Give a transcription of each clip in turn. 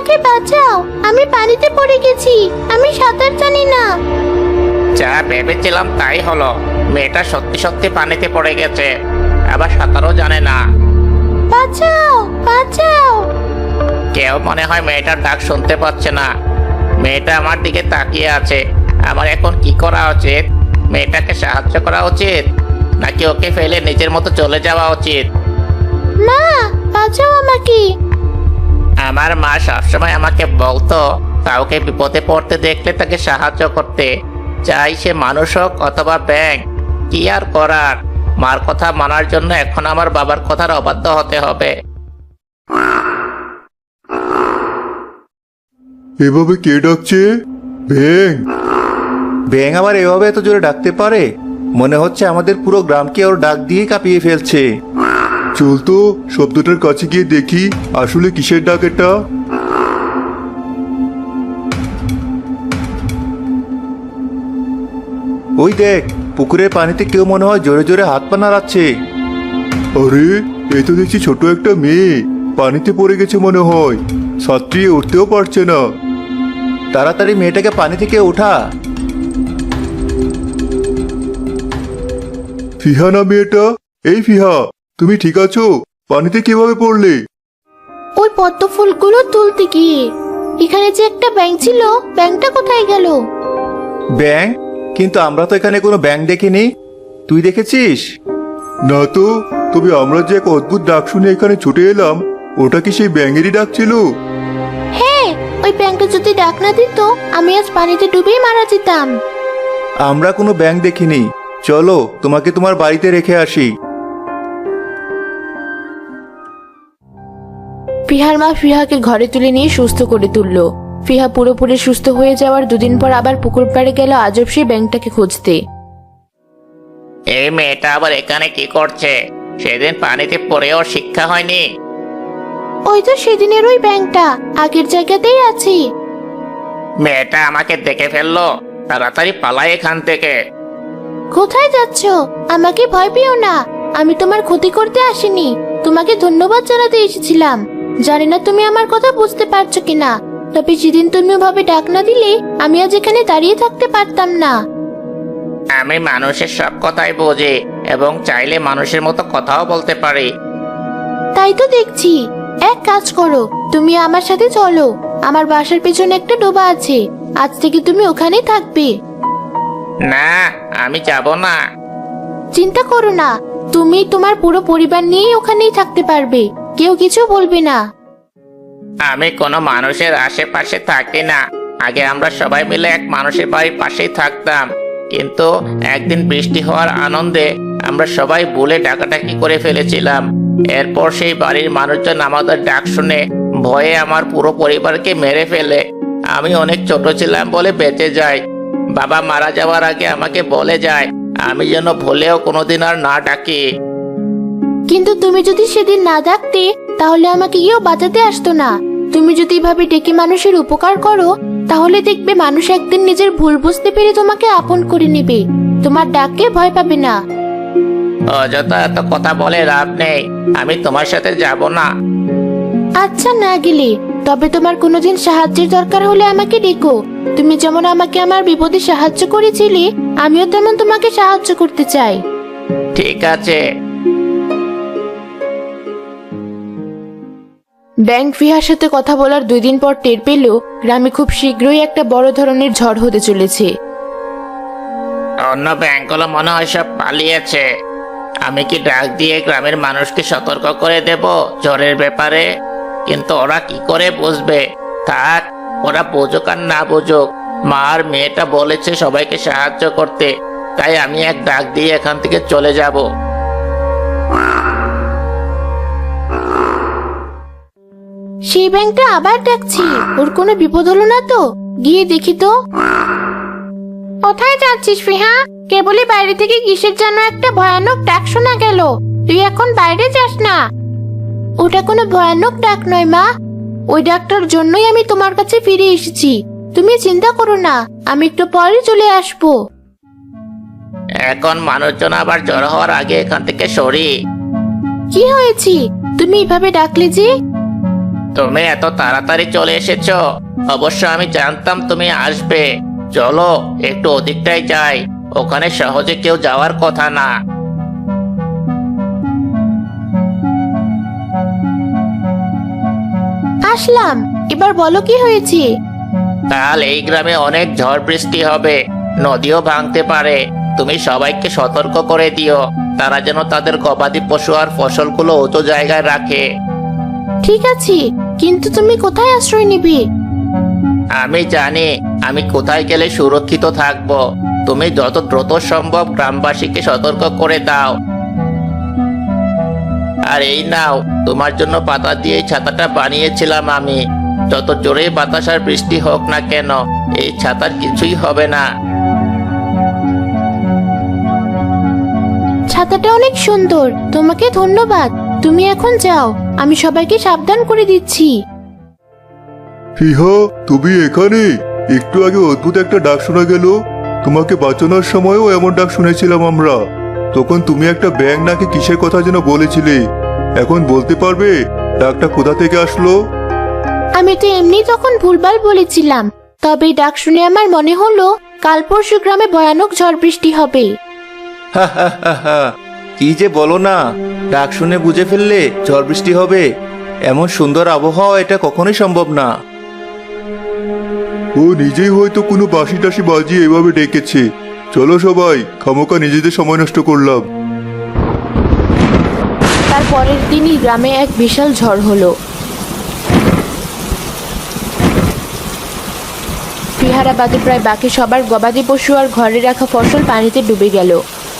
আমাকে বাঁচাও, আমি পানিতে পড়ে গেছি, আমি সাঁতার জানি না। যা ভেবেছিলাম তাই হলো, মেয়েটা সত্যি সত্যি পানিতে পড়ে গেছে, আবার সাঁতারও জানে না। বাঁচাও, বাঁচাও। কেউ মনে হয় মেয়েটার ডাক শুনতে পাচ্ছে না। মেয়েটা আমার দিকে তাকিয়ে আছে। আমার এখন কি করা উচিত? মেয়েটাকে সাহায্য করা উচিত, নাকি ওকে ফেলে নিজের মতো চলে যাওয়া উচিত? মা, বাঁচাও আমাকে। আমার মা সবসময় আমাকে বলতো কাউকে বিপদে পড়তে দেখলে তাকে সাহায্য করতে, চাই সে মানুষ হোক অথবা ব্যাঙ। কি আর করার, মার কথা মানার জন্য এখন আমার বাবার কথার অবাধ্য হতে হবে। এভাবে কে ডাকছে? ব্যাং। ব্যাঙ আবার এভাবে এত জোরে ডাকতে পারে? মনে হচ্ছে আমাদের পুরো গ্রামকে ওর ডাক দিয়ে কাঁপিয়ে ফেলছে। চল তো শব্দটার কাছে গিয়ে দেখি আসলে কিসের ডাক এটা। ওই দেখ, পুকুরের পানিতে কেউ মনে হয় জোরে জোরে হাত পা নাড়াচ্ছে। আরে, এই তো দেখছি ছোট একটা মেয়ে পানিতে পড়ে গেছে মনে হয়, সাঁতরিয়ে উঠতেও পারছে না। তাড়াতাড়ি মেয়েটাকে পানি থেকে ওঠা। ফিহা না মেয়েটা? এই ফিহা, তুমি ঠিক আছো? পানিতে কিভাবে পড়লে? ওই পদ্ম ফুলগুলো তুলতে গিয়ে। এখানে যে একটা ব্যাঙ ছিল, ব্যাঙটা কোথায় গেল? ব্যাঙ? কিন্তু আমরা তো এখানে কোনো ব্যাঙ দেখিনি। তুই দেখেছিস? না তো, তবে আমরা যে এক অদ্ভুত ডাক শুনে এখানে ছুটে এলাম, ওটা কি সেই ব্যাঙেরই ডাক ছিল? হ্যাঁ, ওই ব্যাঙটা যদি ডাক না দিত, আমি আজ পানিতে ডুবেই মারা যেতাম। আমরা কোনো ব্যাঙ দেখিনি। চলো তোমাকে তোমার বাড়িতে রেখে আসি। ফিহার মা ফিহাকে ঘরে তুলে নিয়ে সুস্থ করে তুলল। ফিহা পুরোপুরি সুস্থ হয়ে যাওয়ার দুদিন পর আবার পুকুর পাড়ে গেল আজব সেই ব্যাঙটাকে খুঁজতে। এই মেয়েটা আবার এখানে কি করছে? সেদিন পানিতে পড়েও শিক্ষা হয়নি। ওই তো সেদিনের ওই ব্যাঙটা, আগের জায়গাতেই আছে। মেয়েটা আমাকে দেখে ফেললো, তাড়াতাড়ি পালাই এখান থেকে। কোথায় যাচ্ছ? আমাকে ভয় পেও না, আমি তোমার ক্ষতি করতে আসিনি, তোমাকে ধন্যবাদ জানাতে এসেছিলাম। জানি না তুমি আমার কথা বুঝতে পারছো কিনা, তবে যেদিন তুমি ওভাবে ডাক না দিলে আমি আজ এখানে দাঁড়িয়ে থাকতে পারতাম না। আমি মানুষের সব কথাই বুঝি এবং চাইলে মানুষের মতো কথাও বলতে পারি। তাই তো দেখছি। এক কাজ করো, তুমি আমার সাথে চলো। আমার বাসার পেছনে একটা ডোবা আছে, আজ থেকে তুমি ওখানেই থাকবে। না, আমি যাব না। চিন্তা করো না, তুমি তোমার পুরো পরিবার নিয়েই ওখানেই থাকতে পারবে, কেউ কিছু বলবে না। আমি কোনো মানুষের আশেপাশে থাকি না। আগে আমরা সবাই মিলে এক মানুষের বাড়ির পাশেই থাকতাম, কিন্তু একদিন বৃষ্টি হওয়ার আনন্দে আমরা সবাই ভুলে ডাকাডাকি করে ফেলেছিলাম। এরপর সেই বাড়ির মানুষজন আমাদের ডাক শুনে ভয়ে আমার পুরো পরিবারকে মেরে ফেলে। আমি অনেক ছোট ছিলাম বলে বেঁচে যাই। বাবা মারা যাওয়ার আগে আমাকে বলে যায় আমি যেন ভুলেও কোনোদিন আর না ডাকি। কিন্তু তুমি যদি সেদিন না ডাকতে, তাহলে আমাকে কেউ বাঁচাতে আসতো না। তুমি যদি এভাবে ডেকে মানুষের উপকার করো, তাহলে দেখবে মানুষ একদিন নিজের ভুল বুঝতে পেরে তোমাকে আপন করে নেবে, তোমার ডাককে ভয় পাবে না। অযথা এত কথা বলে লাভ নেই, আমি তোমার সাথে যাব না। আচ্ছা, না গেলে তবে তোমার কোনোদিন সাহায্যের দরকার হলে আমাকে ডেকো। তুমি যেমন আমাকে আমার বিপদে সাহায্য করেছিলে, আমিও তেমন তোমাকে সাহায্য করতে চাই। ঠিক আছে। ব্যাঙ ফিহার সাথে কথা বলার 2 দিন পর টের পেল গ্রামে খুব শীঘ্রই একটা বড় ধরনের ঝড় হতে চলেছে। অন্য ব্যাংকগুলো মনে হয় সব পালিয়েছে। আমি কি ডাক দিয়ে গ্রামের মানুষকে সতর্ক করে দেব ঝড়ের ব্যাপারে? কিন্তু ওরা কি করে বুঝবে? থাক, ওরা বুঝুক আর না বুঝুক, মা আর মেয়েটা বলেছে সবাইকে সাহায্য করতে, তাই আমি এক ডাক দিয়ে এখান থেকে চলে যাব। সেই ব্যাংকটা আবার ডাকছি, ওর কোনো বিপদ হলো না তো? গিয়ে দেখি তো। কোথায় যাচ্ছিস ফিহা? কেবলই বাইরে থেকে কিসের যেন একটা ভয়ানক ডাক শোনা গেল। তুই এখন বাইরে যাস না। ওটা কোনো ভয়ানক ডাক নয় মা, ওই ডাকটার জন্যই আমি তোমার কাছে ফিরে এসেছি। তুমি চিন্তা করো না, আমি একটু পরে চলে আসবো। এখন মানুষজন আবার জড়ো হওয়ার আগে এখান থেকে সরি। কি হয়েছে? তুমি এভাবে ডাকলে যে? তুমি এত তাড়াতাড়ি চলে এসেছো। অবশ্য আমি জানতাম তুমি আসবে। চলো একটু ওদিকটাই যাই, ওখানে সহজে কেউ যাওয়ার কথা না। আসলাম, এবার বলো কি হয়েছে? কাল এই গ্রামে অনেক ঝড় বৃষ্টি হবে, নদীও ভাঙতে পারে। তুমি সবাইকে সতর্ক করে দিও, তারা যেন তাদের গবাদি পশু আর ফসলগুলো উঁচু জায়গায় রাখে। ঠিক আছে, কিন্তু তুমি কোথায় আশ্রয় নিবে? আমি জানি আমি কোথায় গেলে সুরক্ষিত থাকব। তুমি যত দ্রুত সম্ভব গ্রামবাসীকে সতর্ক করে দাও। আর এই নাও, তোমার জন্য পাতা দিয়ে এই ছাতাটা বানিয়েছিলাম আমি। যত জোরে বাতাস আর বৃষ্টি হোক না কেন, এই ছাতার কিছুই হবে না। ছাতাটা অনেক সুন্দর, তোমাকে ধন্যবাদ। তুমি এখন যাও, আমি সবাইকে সাবধান করে দিচ্ছি। ফিহা, তুমি এখানে? একটু আগে অদ্ভুত একটা ডাক শোনা গেল। তোমাকে বাঁচানোর সময়ও এমন ডাক শুনেছিলাম আমরা। তখন তুমি একটা ব্যাঙ নাকি কিসের কথা যেন বলেছিলে। এখন বলতে পারবে ডাকটা কোথা থেকে আসলো? আমি তো এমনি তখন ভুলভাল বলেছিলাম, তবে ডাক শুনে আমার মনে হলো কাল পরশু গ্রামে ভয়ানক ঝড় বৃষ্টি হবে। হা হা হা হা, কি যে বলো না, ডাক শুনে বুঝে ফেললে ঝড় বৃষ্টি হবে? এমন সুন্দর আবহাওয়া এটা কখনোই সম্ভব না। ও নিজেই হয়তো কোনো বাঁশি টাসি বাজিয়ে এভাবে ডেকেছে। চলো সবাই, খামোকা নিজেদের সময় নষ্ট করলাম। তার পরের দিনই গ্রামে এক বিশাল ঝড় হলো। ফিহারা বাদে প্রায় বাকি সবার গবাদি পশু আর ঘরে রাখা ফসল পানিতে ডুবে গেল।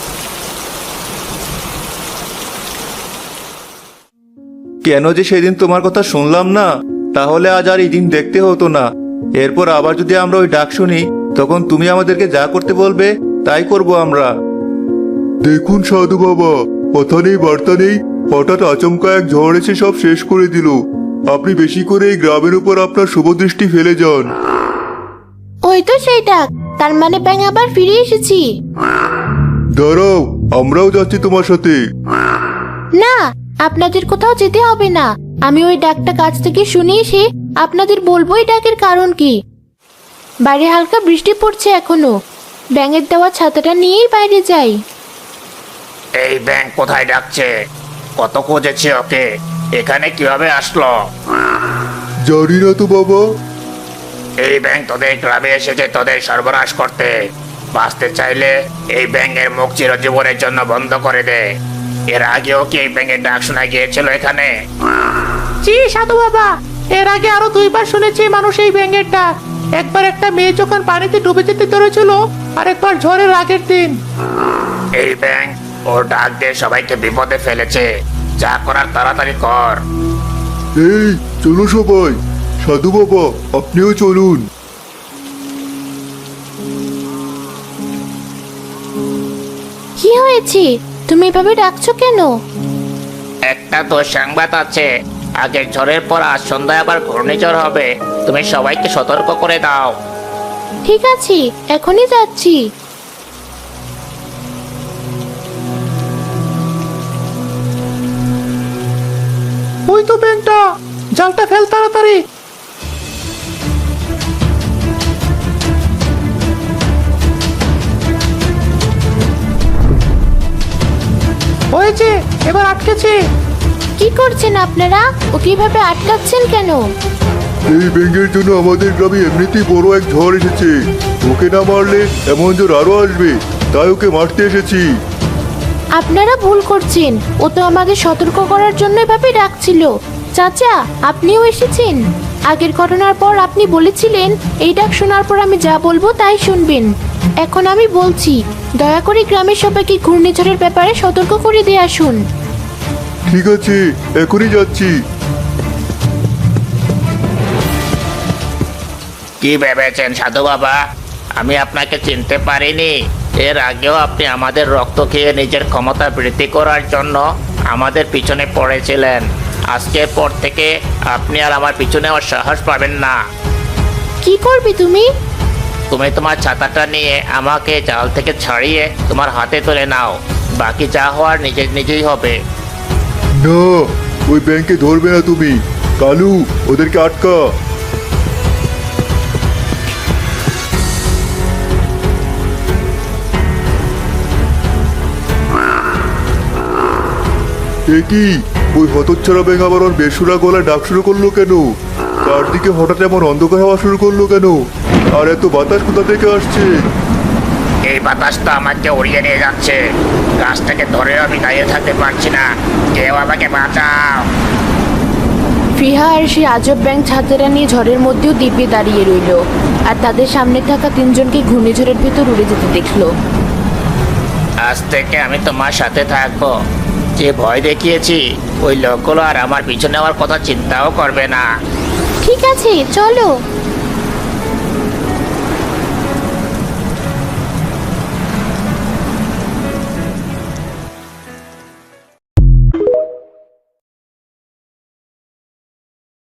কেন যে সেদিন তোমার কথা শুনলাম না, তাহলে আজ আর এই দিন দেখতে হতো না। এরপর আবার যদি আমরা ওই ডাক শুনি, তখন তুমি আমাদেরকে যা করতে বলবে তাই করব আমরা। দেখুন সাধু বাবা, কথা নেই বার্তা নেই, হঠাৎ আচমকা এক ঝড় এসে সব শেষ করে দিল। আপনি বেশি করে এই গ্রামের উপর আপনার শুভ দৃষ্টি ফেলে যান। ওই তো সেই ডাক, তার মানে ব্যাঙ আবার ফিরে এসেছি। দাঁড়াও, আমরাও যাচ্ছি তোমার সাথে। না, আপনাদের কোথাও যেতে হবে না। আমি ওই ডাকটা কাছ থেকে শুনে এসে আপনাদের বলবো এই ডাকের কারণ কি। বাইরে হালকা বৃষ্টি পড়ছে এখনো, ব্যাঙের দেওয়া ছাতাটা নিয়েই বাইরে যাই। এই ব্যাঙ কোথায় ডাকছে? কত খুঁজেছি ওকে, এখানে কিভাবে আসলো? জানি না তো বাবা। এই ব্যাঙ তোদের গ্রামে এসেছে তোদের সর্বনাশ করতে। বাঁচতে চাইলে এই ব্যাঙের মুখ চিরজীবনের জন্য বন্ধ করে দে। এর আগেও কি এই ব্যাঙের ডাক শোনা গিয়েছিল এখানে? জি সাধু বাবা, এর আগে আরো 2 বার শুনেছি মানুষ এই ব্যাঙের ডাক। একবার একটা মেয়ে যখন পানিতে ডুবে যেতে ধরেছিল, আর একবার ঝড়ের আগের দিন। এই ব্যাঙ ওর ডাক দিয়ে সবাইকে বিপদে ফেলেছে। যা করার তাড়াতাড়ি কর। এই চলো সবাই, সাধু বাবা আপনিও চলুন। কি হয়েছে? তুমি এভাবে ডাকছো কেন? একটা তো সংবাদ আছে, আগের ঝড়ের পর আজ সন্ধ্যায় আবার ঘূর্ণিঝড় হবে। তুমি সবাইকে সতর্ক করে দাও। ঠিক আছে, এখনই যাচ্ছি। ওই তো ব্যাঙটা, জালটা ফেল তাড়াতাড়ি। হয়েছে, এবার আটকেছে। কি করছেন আপনারা? ও কিভাবে আটকাচ্ছেন কেন? এই ব্যাঙের জন্য আমাদের গ্রামে এমনিতেই বড় এক ঝড় এসেছে। ওকে না মারলে এমন ঝড় আরো আসবে, তাই ওকে মারতে এসেছি। আপনারা ভুল করছেন, ও তো আমাদের সতর্ক করার জন্য এভাবে ডাকছিল। চাচা, আপনিও এসেছেন। আগের ঘটনার পর আপনি বলেছিলেন এই ডাক শোনার পর আমি যা বলবো তাই শুনবেন। এখন আমি বলছি, দয়া করে গ্রামের সবাইকে ঘূর্ণিঝড়ের ব্যাপারে সতর্ক করে দিয়ে আসুন। ঠিক আছে, এখনই যাচ্ছি। কি ভেবেছেন সাধু বাবা? আমি আপনাকে চিনতে পারিনি। এর আগেও আপনি আমাদের রক্ত খেয়ে নিজের ক্ষমতা বৃদ্ধি করার জন্য আমাদের পিছনে পড়েছিলেন। আজকের পর থেকে আপনি আর আমার পিছনে আর সাহস পাবেন না। কি করবি তুমি? তুমি তোমার ছাতাটা নিয়ে আমাকে জাল থেকে ছাড়িয়ে তোমার হাতে তুলে নাও। বাকি যা হওয়ার নিজেই হবে। না, ও ওই ব্যাংকে ধরবে না তুমি। কালু, ওদেরকে আটকা। এ কি, ওই হতচ্ছাড়া ব্যাঙ আবার ওর বেসুরা গলায় ডাক শুরু করলো কেন? চারদিকে হঠাৎ এমন অন্ধকার হওয়া শুরু করলো কেন? আর এত বাতাস কোথা থেকে আসছে? এই বাতাসটা আমাকে উড়িয়ে নিয়ে যাচ্ছে। গাছ থেকে ধরে আমি দাঁড়িয়ে থাকতে পারছি না, কেউ আমাকে বাঁচাও। ফিহা আর সেই আজব ব্যাঙ ছাতেরা নিয়ে ঝড়ের মধ্যেও দিব্যে দাঁড়িয়ে রইল, আর তাদের সামনে থাকা তিনজনকে ঘূর্ণিঝড়ের ভেতর উড়ে যেতে দেখলো। আজ থেকে আমি তোমার সাথে থাকবো। যে ভয় দেখিয়েছি, ওই লোকগুলো আর আমার পিছনে আমার কথা চিন্তাও করবে না। ঠিক আছে, চলো।